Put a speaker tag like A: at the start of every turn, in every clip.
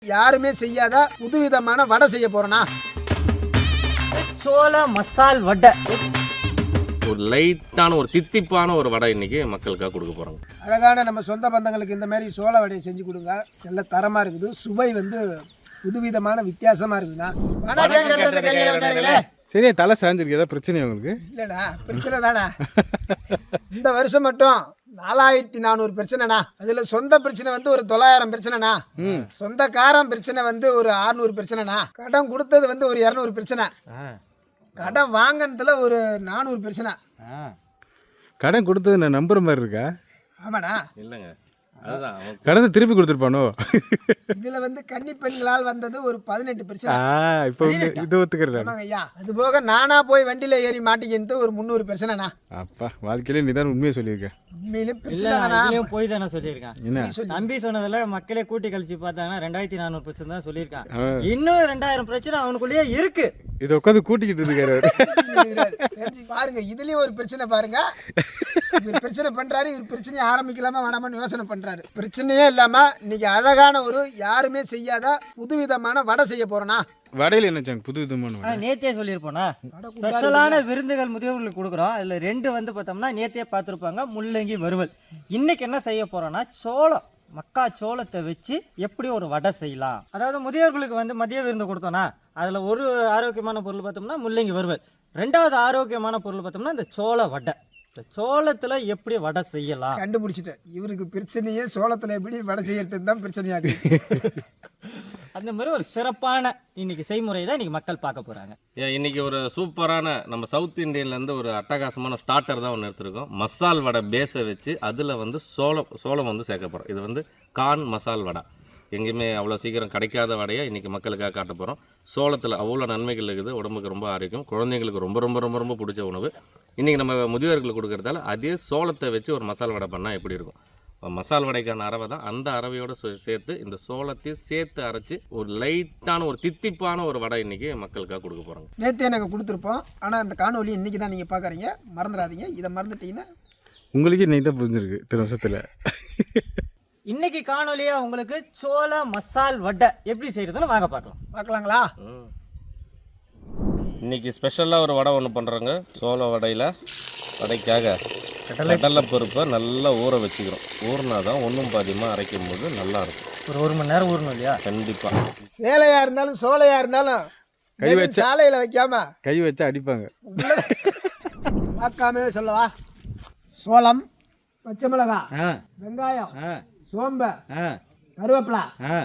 A: யாருமே செய்யாத புதுவிதமான வடை செய்ய போறேனா.
B: சோள மசால் வடை.
C: ஒரு லைட்டான ஒரு தித்திப்பான ஒரு வடை இன்னைக்கு மக்களுக்காக கொடுக்க போறாங்க.
A: அழகான நம்ம சொந்த பந்தங்களுக்கு இந்த மாதிரி சோள வடையை செஞ்சு கொடுங்க. நல்ல தரமா இருக்குது. சுவை வந்து புதுவிதமான வித்தியாசமா இருக்குதுண்ணா.
D: சரி, தலை சாஞ்சிருக்கு. ஏதாவது பிரச்சனை உங்களுக்கு?
A: இல்லைண்ணா, பிரச்சனை தானே. இந்த வருஷம் மட்டும் 4400 பிரச்சனைண்ணா. அதுல சொந்த பிரச்சனை வந்து ஒரு 900 பிரச்சனைண்ணா. சொந்தக்காரன் பிரச்சனை வந்து ஒரு 600 பிரச்சனைண்ணா. கடன் கொடுத்தது வந்து ஒரு 200 பிரச்சனை. கடன் வாங்கினதுல ஒரு 400 பிரச்சனை.
D: கடன் கொடுத்தது நான் நம்புற மாதிரி இருக்கா?
A: ஆமாண்ணா.
C: இல்லைங்க, அதுதான்
D: கடனை திருப்பி கொடுத்துருப்பானோ.
A: இதுல வந்து கன்னி பெண்களால் வந்தது ஒரு 18 பிரச்சனை.
D: இப்போ இது ஒத்துக்கிறேன்.
A: ஆமாங்க ஐயா. அது போக நானா போய் வண்டியில ஏறி மாட்டிக்கிட்டு ஒரு 300 பிரச்சனைண்ணா.
D: அப்பா, வாழ்க்கையில நீ தான் உண்மையை சொல்லியிருக்க.
A: உண்மையிலே பிரச்சனை
B: போய் தானே சொல்லியிருக்கான்.
D: என்ன
B: நம்பி சொன்னதுல மக்களே கூட்டி கழிச்சு பார்த்தாங்கன்னா 2400 பிரச்சனை தான் சொல்லியிருக்கான். இன்னும் 2000 பிரச்சனை அவனுக்குள்ளேயே இருக்கு.
D: இதை உட்காந்து கூட்டிக்கிட்டு இருக்காரு.
A: பாருங்க, இதுலயும் ஒரு பிரச்சனை பாருங்க. இவர் பிரச்சனை பண்றாரு, இவர் பிரச்சனையை ஆரம்பிக்கலாமா வேணாமான்னு யோசனை பண்றாரு. பிரச்சனையே இல்லாம இன்னைக்கு அழகான ஒரு யாருமே செய்யாத புதுவிதமான வடை செய்ய போறேனா.
D: வடையில என்ன புதுவிதமான?
B: நேத்தே சொல்லியிருப்போனா ஸ்பெஷலான விருந்துகள் முதியோர்களுக்கு கொடுக்குறோம். இதுல 2 வந்து பார்த்தோம்னா நேத்தே பார்த்துருப்பாங்க, முள்ளங்கி வறுவல். இன்னைக்கு என்ன செய்ய போறோம்னா சோளம், மக்கா சோளத்தை வச்சு எப்படி ஒரு வடை செய்யலாம். அதாவது முதியோர்களுக்கு வந்து மதிய விருந்து கொடுத்தோம்னா அதில் ஒரு ஆரோக்கியமான பொருள் பார்த்தோம்னா முள்ளங்கி வறுவல். 2வது ஆரோக்கியமான பொருள் பார்த்தோம்னா இந்த சோள வடை. இந்த சோளத்தில் எப்படி வடை செய்யலாம்
A: கண்டுபிடிச்சிட்டேன். இவருக்கு பிரச்சனையே சோளத்தில் எப்படி வடை செய்யறதுன்னு தான் பிரச்சனையாடு.
B: அந்த மாதிரி ஒரு சிறப்பான இன்னைக்கு செய்முறை தான் இன்னைக்கு மக்கள் பார்க்க போகிறாங்க.
C: இன்னைக்கு ஒரு சூப்பரான நம்ம சவுத் இந்தியன்லேருந்து ஒரு அட்டகாசமான ஸ்டார்டர் தான் ஒன்று எடுத்துருக்கோம். மசால் வடை பேஸை வச்சு அதில் வந்து சோளம் வந்து சேர்க்க போகிறோம். இது வந்து கார்ன் மசால் வடை. எங்கேயுமே அவ்வளோ சீக்கிரம் கிடைக்காத வடையை இன்றைக்கி மக்களுக்காக காட்ட போகிறோம். சோளத்தில் அவ்வளோ நன்மைகள் இருக்குது. உடம்புக்கு ரொம்ப ஆரோக்கியம், குழந்தைங்களுக்கு ரொம்ப ரொம்ப ரொம்ப ரொம்ப பிடிச்ச உணவு. இன்றைக்கி நம்ம முதியோர்களுக்கு கொடுக்குறதால அதே சோளத்தை வச்சு ஒரு மசால் வடை பண்ணால் எப்படி இருக்கும். மசால் வடைக்கான அரவை தான். அந்த அரவையோடு சேர்த்து இந்த சோளத்தையும் சேர்த்து அரைச்சி ஒரு லைட்டான ஒரு தித்திப்பான ஒரு வடை இன்றைக்கி மக்களுக்காக கொடுக்க போகிறாங்க.
A: நேற்றே நாங்கள் கொடுத்துருப்போம். ஆனால் அந்த காணொலி இன்றைக்கி தான் நீங்கள் பார்க்குறீங்க. மறந்துடாதீங்க. இதை மறந்துட்டீங்கன்னா
D: உங்களுக்கு இன்னைக்கு தான் புரிஞ்சிருக்கு இத்தனை வருஷத்தில்.
B: இன்னைக்கு காணொலியா உங்களுக்கு சோள மசால் வடை எப்படி செய்யறதுன்னு வாங்க பார்க்கலாங்களா.
C: இன்னைக்கு ஸ்பெஷலாக ஒரு வடை ஒன்று பண்ணுறோங்க. சோள வடைக்காக கடலை பருப்பை நல்லா ஊற வச்சுக்கிறோம். ஊறினா தான் ஒன்றும் பாதியமாக அரைக்கும் போது நல்லா இருக்கும்.
B: ஒரு 1 மணி நேரம் ஊறணும் இல்லையா?
C: கண்டிப்பாக.
A: சேலையாக இருந்தாலும் சோலையாக இருந்தாலும்
D: கை வச்சு
A: சாலையில் வைக்காம
D: கை வச்சு அடிப்பாங்க.
A: பார்க்காம சொல்லவா. சோளம், பச்சை மிளகாய், வெங்காயம், சோம்பு, கருவேப்பிலை,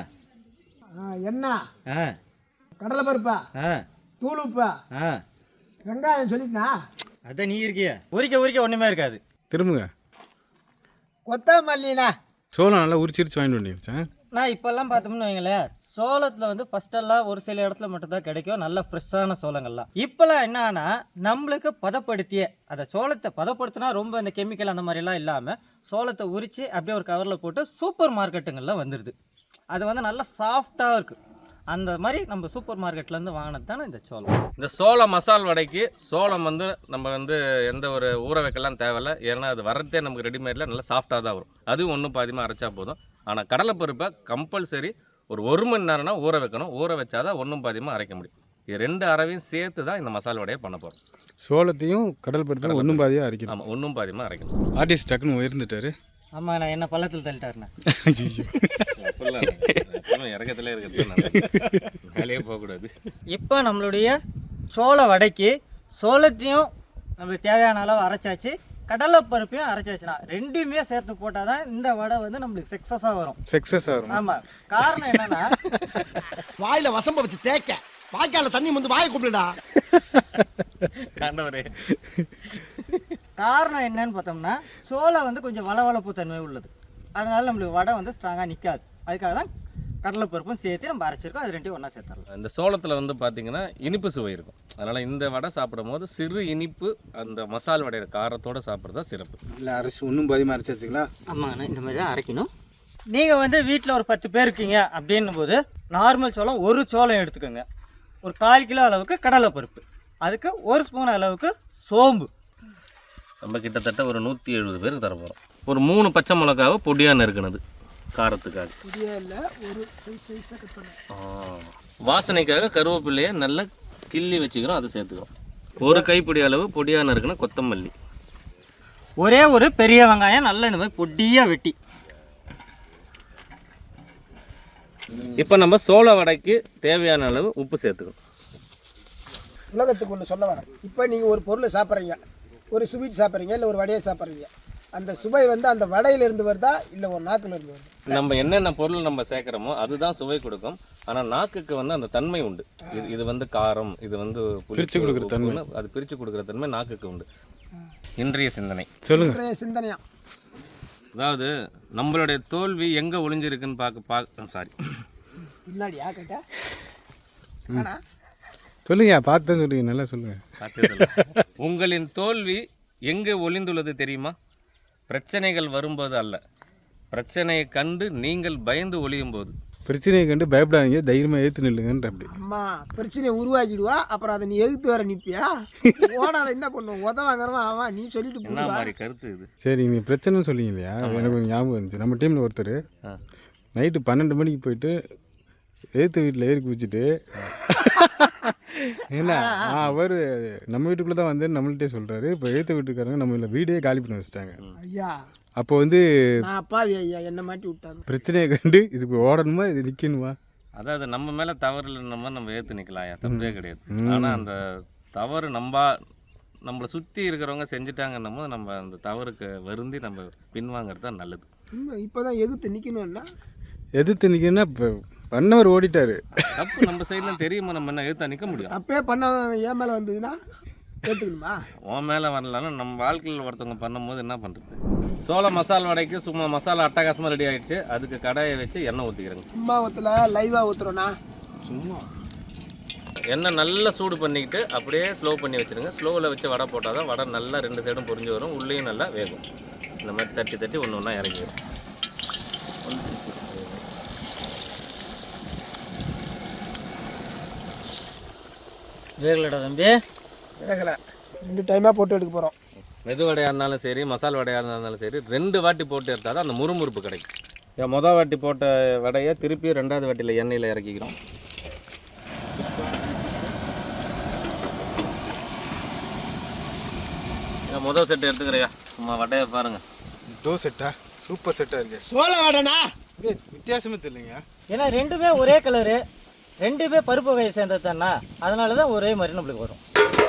A: எண்ணெய், கடலைப்பருப்பு, தூளுப்பு, வெங்காயம் சொல்லிட்டுனா
B: அதான் நீ இருக்கிய உரிக்க ஒன்றுமே இருக்காது.
D: திரும்புங்க.
A: கொத்தமல்லிண்ணா.
D: சோளம் நல்லா உரிச்சிருச்சு வாங்கிட்டு வந்துச்சேன்.
B: நான் இப்போல்லாம் பார்த்தோம்னு வைங்களேன், சோளத்தில் வந்து ஃபஸ்ட்டெல்லாம் ஒரு சில இடத்துல மட்டும்தான் கிடைக்கும் நல்ல ஃப்ரெஷ்ஷான சோளங்கள்லாம். இப்போல்லாம் என்னன்னா நம்மளுக்கு பதப்படுத்திய அந்த சோளத்தை பதப்படுத்தினா ரொம்ப இந்த கெமிக்கல் அந்த மாதிரிலாம் இல்லாமல் சோளத்தை உரித்து அப்படியே ஒரு கவரில் போட்டு சூப்பர் மார்க்கெட்டுங்களில் வந்துடுது. அது வந்து நல்லா சாஃப்டாக இருக்குது. அந்த மாதிரி நம்ம சூப்பர் மார்க்கெட்லேருந்து வாங்கினது தானே இந்த சோளம்.
C: இந்த சோள மசால் வடைக்கு சோளம் வந்து நம்ம வந்து எந்த ஒரு ஊற வைக்கலாம் தேவையில்லை. ஏன்னா அது வரதே நமக்கு ரெடிமேடில் நல்லா சாஃப்டாக தான் வரும். அதுவும் ஒன்றும் பாதியமாக அரைச்சா போதும். ஆனால் கடலைப்பருப்பை கம்பல்சரி ஒரு 1 மணி நேரம்னா ஊற வைக்கணும். ஊற வச்சாதான் ஒன்றும் பாதியமாக அரைக்க முடியும். இது 2 அரைவையும் சேர்த்து தான் இந்த மசால் வடையை பண்ண போகிறோம்.
D: சோளத்தையும் கடல் பருப்பையும் ஒன்றும் பாதியாக அரைக்கணும்.
C: ஆமாம், ஒன்றும் பாதியமாக அரைக்கணும்.
D: ஆர்டிஸ்ட் டக்குன்னு உயர்ந்துட்டாரு.
B: ஆமாம், நான் என்ன பள்ளத்தில் தள்ளிட்டாருண்ணே.
C: இறக்கத்திலே இருக்கிறது வேலையே போகக்கூடாது.
B: இப்போ நம்மளுடைய சோள வடைக்கு சோளத்தையும் நம்மளுக்கு தேவையான அளவு அரைச்சாச்சு, கடலைப்பருப்பையும் அரைச்சாச்சுன்னா 2மே சேர்த்து போட்டால் தான் இந்த வடை வந்து நம்மளுக்கு சக்ஸஸாக வரும். ஆமாம், காரணம் என்னன்னா
E: வாயில வசம்ப வச்சு தேய்க்க வாய்க்கால தண்ணி வந்து வாயை கூப்பிடுடா.
B: காரணம் என்னன்னு பார்த்தோம்னா சோளம் வந்து கொஞ்சம் வளவளப்பு தன்மை உள்ளது. அதனால நம்மளுக்கு வடை வந்து ஸ்ட்ராங்காக நிற்காது. அதுக்காக தான் கடலைப்பருப்பும் சேர்த்து நம்ம அரைச்சிருக்கோம். அது 2யும் ஒன்றா சேர்த்துடலாம்.
C: இந்த சோளத்தில் வந்து பார்த்தீங்கன்னா இனிப்பு சுவை இருக்கும். அதனால் இந்த வடை சாப்பிடும் போது சிறு இனிப்பு அந்த மசால் வடையோட காரத்தோடு சாப்பிட்றது தான் சிறப்பு.
D: இல்லை அரைச்சி ஒன்றும் பாதியமாக அரைச்சி வச்சுங்களா?
B: ஆமாங்கண்ணா, இந்த மாதிரி தான் அரைக்கணும். நீங்கள் வந்து வீட்டில் ஒரு 10 பேர் இருக்கீங்க அப்படின்னும் போது நார்மல் சோளம் ஒரு சோளம் எடுத்துக்கோங்க. ஒரு 1/4 கிலோ அளவுக்கு கடலைப்பருப்பு, அதுக்கு 1 ஸ்பூன் அளவுக்கு சோம்பு.
C: நம்ம கிட்டத்தட்ட ஒரு 170 பேருக்கு தர போகிறோம். ஒரு 3 பச்சை மிளகாவை பொடியாக நறுக்கினது, காரத்துக்காக.
A: புதிய இல்லை, ஒரு சைஸாக கட் பண்ணேன்.
C: வாசனைக்காக கருவேப்பிலையை நல்லா கிள்ளி வச்சுக்கிறோம், அதை சேர்த்துக்கிறோம். ஒரு கைப்பிடி அளவு பொடியான இருக்குன்னா கொத்தமல்லி.
B: ஒரே ஒரு பெரிய வெங்காயம் நல்லா இந்த மாதிரி பொடியாக வெட்டி.
C: இப்போ நம்ம சோள வடைக்கு தேவையான அளவு உப்பு சேர்த்துக்கணும்.
A: உலகத்துக்கு ஒன்று சொல்ல வரேன். இப்போ நீங்கள் ஒரு பொருளை சாப்பிட்றீங்க, ஒரு ஸ்வீட் சாப்பிட்றீங்க, இல்லை ஒரு வடையை சாப்பிட்றீங்க. அந்த சுவை வந்து அந்த வடையிலிருந்து வருதா இல்லை ஒரு நாக்குலேருந்து வருதா?
C: நம்ம என்னென்ன பொருள் நம்ம சேர்க்குறோமோ அதுதான் சுவை கொடுக்கும். ஆனால் நாக்குக்கு வந்து அந்த தன்மை உண்டு. இது வந்து காரம், இது வந்து
D: பிரித்து கொடுக்குற தன்மை,
C: அது பிரித்து கொடுக்குற தன்மை நாக்குக்கு உண்டு. இன்றைய சிந்தனை
D: சொல்லுங்க.
A: சிந்தனையா,
C: அதாவது நம்மளுடைய தோல்வி எங்கே ஒளிஞ்சிருக்குன்னு பார்க்க சாரி
A: பின்னாடியா கேட்டா
D: சொல்லுங்க, பார்த்து சொல்லுங்க, நல்லா சொல்லுங்க.
C: உங்களின் தோல்வி எங்கே ஒளிந்துள்ளது தெரியுமா? பிரச்சனைகள் வரும்போது அல்ல, பிரச்சனையை கண்டு நீங்கள் பயந்து ஒளியும் போது.
D: பிரச்சனையை கண்டு பயப்படாதீங்க, தைரியமாக ஏற்று நில்லுங்கன்ற. அப்படி
A: அம்மா பிரச்சனையை உருவாக்கிடுவா, அப்புறம் அதை நீ எதிர்த்து வர நிற்பியா? ஓடாத என்ன பண்ணுவோம், உதவாங்கிறவா அவன், நீ சொல்லிட்டு
C: என்ன
A: போடுவா.
C: மாதிரி கருத்து இது?
D: சரி, நீங்கள் பிரச்சனைன்னு சொல்லிங்க இல்லையா, எனக்கு ஒரு ஞாபகம் இருந்துச்சு. நம்ம டீமில் ஒருத்தர் நைட்டு 12 மணிக்கு போயிட்டு எழுத்து வீட்டில் ஏறி குதிச்சுட்டு என்ன அவர் நம்ம வீட்டுக்குள்ளே தான் வந்து நம்மள்கிட்டே சொல்கிறாரு. இப்போ எழுத்து வீட்டுக்காரங்க நம்ம வீடே காலி பண்ணி வச்சுட்டாங்க.
A: ஐயா
D: அப்போ வந்து
A: நான் அப்பாவி ஐயா, என்ன மாட்டி விட்டாங்க.
D: பிரச்சனையை கண்டு இதுக்கு ஓடணுமா, இது நிற்கணுமா?
C: அதாவது நம்ம மேலே தவறு இல்லைன்னா நம்ம ஏற்று நிற்கலாம், தப்பே கிடையாது. ஆனால் அந்த தவறு நம்மளை சுற்றி இருக்கிறவங்க செஞ்சுட்டாங்கன்னும் போது நம்ம அந்த தவறுக்கு வருந்தி நம்ம பின்வாங்கிறது தான் நல்லது.
A: இப்போ தான் எதிர்த்து நிற்கணும்னா,
D: எதிர்த்து நிற்கணும்னா இப்போ பண்ணவர் ஓடிட்டாரு.
C: தப்பு நம்ம சைடில் தெரியுமா, நம்ம என்ன எதிர்த்தா நிற்க முடியும்?
A: தப்பே பண்ண என் மேலே வந்ததுன்னா ஏற்றுக்கணுமா?
C: உன் மேலே வரலாலும் நம்ம வாழ்க்கையில் ஒருத்தவங்க பண்ணும்போது என்ன பண்ணுறது? சோள மசால் வடைக்கு சும்மா மசாலா அட்டகாசமாக ரெடி ஆகிடுச்சு. அதுக்கு கடாயை வச்சு எண்ணெய் ஊற்றிக்கிறேங்க.
A: சும்மா ஊற்றல, லைவாக ஊற்றுறோண்ணா.
D: சும்மா
C: எண்ணெய் நல்லா சூடு பண்ணிக்கிட்டு அப்படியே ஸ்லோ பண்ணி வச்சுருங்க. ஸ்லோவில் வச்சு வடை போட்டால் தான் வடை நல்லா 2 சைடும் பொரிஞ்சு வரும், உள்ளேயும் நல்லா வேகும். இந்த மாதிரி தட்டி தட்டி ஒன்று ஒன்றா இறங்கிடும்.
B: வேகலடா தம்பி,
A: வேகலை, 2 டைமாக போட்டு எடுக்க போகிறோம்.
C: மெது வடையாக இருந்தாலும் சரி, மசால் வடையாக இருந்தாலும் சரி, 2 வாட்டி போட்டு எடுத்தால் தான் அந்த முறுமுறுப்பு கிடைக்கும். மொதல் வாட்டி போட்ட வடையை திருப்பி 2வது வாட்டியில் எண்ணெயில் இறக்கிக்கிறோம். முதல் செட்டு எடுத்துக்கிறையா, சும்மா வடையை பாருங்கள்.
D: டோ செட்டா சூப்பர் செட்டாக இருக்கு.
A: சோள வடைண்ணா,
D: வித்தியாசமே தெரியலைங்க.
B: ஏன்னா ரெண்டுமே ஒரே கலரு, ரெண்டுமே பருப்பு வகையை சேர்ந்தது தானே, அதனால தான் ஒரே மாதிரி நம்மளுக்கு வரும்.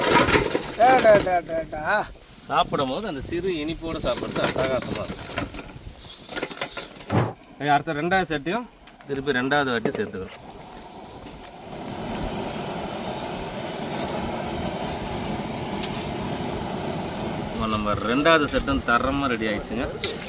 C: சாப்பிடும் போது அந்த சிறு இனிப்போடு சாப்பிட்றது அட்டகாசமாக இருக்கும். அடுத்த 2வது செட்டையும் திருப்பி 2வது வாட்டி சேர்த்துக்கிறோம். நம்ம 2வது செட்டும் தரமாக ரெடி ஆயிடுச்சுங்க.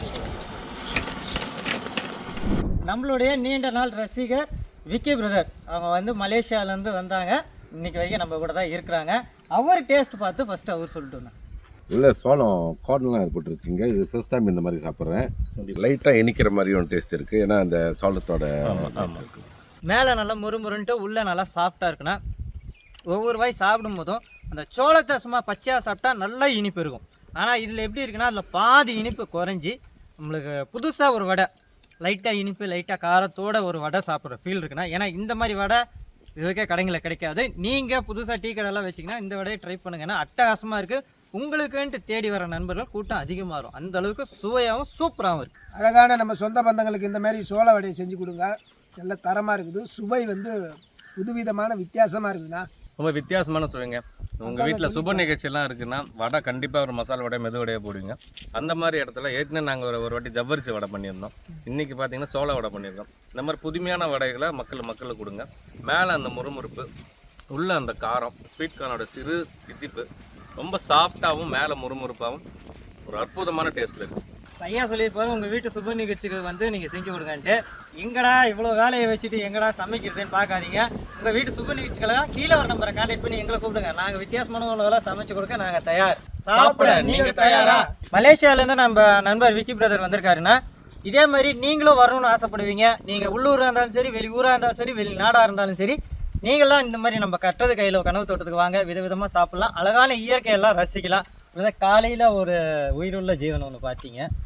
B: நம்மளுடைய நீண்ட நாள் ரசிகர் விக்கி பிரதர், அவங்க வந்து மலேசியாவிலேருந்து வந்தாங்க. இன்னைக்கு வரைக்கும் நம்ம கூட தான் இருக்கிறாங்க. அவர் டேஸ்ட் பார்த்து ஃபஸ்ட்டு அவர் சொல்லிட்டு
F: இல்லை, சோளம் கார்ன்லாம் ஏற்பட்டுருக்கீங்க. இது ஃபர்ஸ்ட் டைம் இந்த மாதிரி சாப்பிட்றேன். லைட்டாக இனிக்கிற மாதிரியும் டேஸ்ட் இருக்குது. ஏன்னா அந்த சோளத்தோட
B: மேலே நல்லா முறுமுறுன்ட்டு உள்ளே நல்லா சாஃப்டாக இருக்குன்னா, ஒவ்வொரு வாய் சாப்பிடும் போதும் அந்த சோளத்தை சும்மா பச்சையாக சாப்பிட்டா நல்லா இனிப்பு இருக்கும். ஆனால் இதில் எப்படி இருக்குன்னா, அதில் பாதி இனிப்பு குறைஞ்சி நம்மளுக்கு புதுசாக ஒரு வடை, லைட்டாக இனிப்பு லைட்டாக காரத்தோட ஒரு வடை சாப்பிட்ற ஃபீல் இருக்குன்னா, ஏன்னா இந்த மாதிரி வடை இதுக்கே கடைங்களில் கிடைக்காது. நீங்கள் புதுசாக டீ கடையெல்லாம் வச்சிங்கன்னா இந்த வடையை ட்ரை பண்ணுங்கன்னா அட்டகாசமாக இருக்குது. உங்களுக்குன்ட்டு தேடி வர நண்பர்கள் கூட்டம் அதிகமாக வரும். அந்த அளவுக்கு சுவையாகவும் சூப்பராகவும் இருக்குது.
A: அழகான நம்ம சொந்த பந்தங்களுக்கு இந்த மாதிரி சோள வடையை செஞ்சு கொடுங்க. நல்ல தரமாக இருக்குது, சுவை வந்து புதுவிதமான வித்தியாசமாக இருக்குதுண்ணா.
C: ரொம்ப வித்தியாசமான சுவைங்க. உங்கள் வீட்டில் சுப நிகழ்ச்சியெல்லாம் இருக்குன்னா வடை கண்டிப்பாக ஒரு மசால் வடை மெது வடையை போடுவீங்க. அந்த மாதிரி இடத்துல ஏற்கனவே நாங்கள் ஒரு வாட்டி ஜவ்வரிசி வடை பண்ணியிருந்தோம். இன்றைக்கி பார்த்தீங்கன்னா சோள வடை பண்ணியிருக்கோம். இந்த மாதிரி புதுமையான வடைகளை மக்களுக்கு கொடுங்க. மேலே அந்த முறுமுறுப்பு, உள்ள அந்த காரம், ஸ்வீட் கார்னோட சிறு தித்திப்பு, ரொம்ப சாஃப்டாகவும் மேலே முறுமுறுப்பாகவும் ஒரு அற்புதமான டேஸ்ட்டில் இருக்கும்.
B: ஐயா சொல்லியிருப்பாரு, உங்கள் வீட்டு சுப நிகழ்ச்சிக்கு வந்து நீங்கள் செஞ்சு கொடுங்கன்ட்டு. எங்கடா இவ்வளோ வேலையை வச்சுட்டு எங்கடா சமைக்கிறதுன்னு பார்க்காதீங்க. உங்கள் வீட்டு சுப நிகழ்ச்சிக்கெல்லாம் கீழே ஒரு நம்பரை கான்டாக்ட் பண்ணி எங்களை கூப்பிடுங்க. நாங்கள் வித்தியாசமான உணவுலாம் சமைச்சு கொடுக்க நாங்கள் தயார். சாப்பிட நீங்கள் தயாரா? மலேசியாவிலேருந்து நம்ம நண்பர் விக்கி பிரதர் வந்திருக்காருன்னா, இதே மாதிரி நீங்களும் வரணும்னு ஆசைப்படுவீங்க. நீங்கள் உள்ளூராக இருந்தாலும் சரி, வெளியூராக இருந்தாலும் சரி, வெளிநாடாக இருந்தாலும் சரி, நீங்களாம் இந்த மாதிரி நம்ம கட்டுறது கையில் கனவு தோட்டத்துக்கு வாங்க. விதவிதமாக சாப்பிட்லாம், அழகான இயற்கையெல்லாம் ரசிக்கலாம். காலையில் ஒரு உயிருள்ள ஜீவன் ஒன்று பார்த்தீங்க.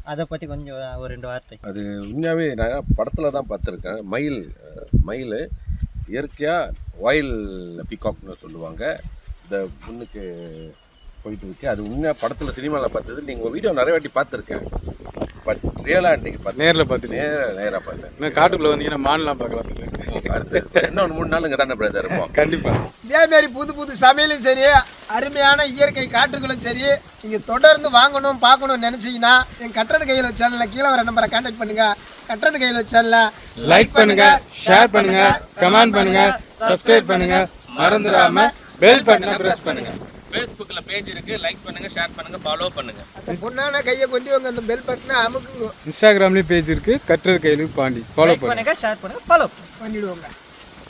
B: அதை பற்றி கொஞ்சம் ஒரு 2 வார்த்தை.
F: அது உண்மையாகவே நான் படத்தில் தான் பார்த்துருக்கேன். மயில் இயற்கையாக ஒயில் பீகாக்னு சொல்லுவாங்க. இந்த முன்னுக்கு போயிட்டு இருக்கு. அது உண்மையாக படத்தில் சினிமாவில் பார்த்தது. நீங்கள் வீடியோ நிறைய வாட்டி பார்த்துருக்கேன். பட் ரியலாக இன்றைக்கி பார்த்து
D: நேரில் பார்த்துட்டு
F: நேராக பார்த்தேன்.
D: இன்னும் காட்டுக்குள்ளே வந்தீங்கன்னா மான்லாம் பார்க்கலாம்.
F: அடுத்து இன்னொன்று 3 நாள் இங்கே தானே பிரதர் இருப்போம்.
D: கண்டிப்பாக
A: இதேமாரி புது சமையலும் சரி, அருமையான இயற்கை காற்றுகளும் சரி, நீங்கள் தொடர்ந்து வாங்கணும் பார்க்கணும்னு நினச்சிங்கன்னா என் கட்டுறது கையில் சேனலில் கீழே வர நம்பரை கான்டாக்ட் பண்ணுங்கள். கட்டுறது கையில் சேனலை
D: லைக் பண்ணுங்க, ஷேர் பண்ணுங்க, கமெண்ட் பண்ணுங்க, சப்ஸ்கிரைப் பண்ணுங்க, மறந்துடாம பெல் பட்டனை பிரஸ் பண்ணுங்க.
C: ஃபேஸ்புக்கில் பேஜ் இருக்குது, லைக் பண்ணுங்கள், ஷேர் பண்ணுங்கள், ஃபாலோ பண்ணுங்கள்.
A: அந்த பொண்ணான கையை கொண்டு வாங்க, அந்த பெல் பட்டனை அமுக்குங்க,
D: இன்ஸ்டாகிராம்லேயும் பேஜ் இருக்குது, கட்டுறது கையில் பாண்டி. ஃபாலோ
B: லைக் பண்ணுங்க, ஷேர் பண்ணுங்க, ஃபாலோ
A: பண்ணிவிடுவோங்க.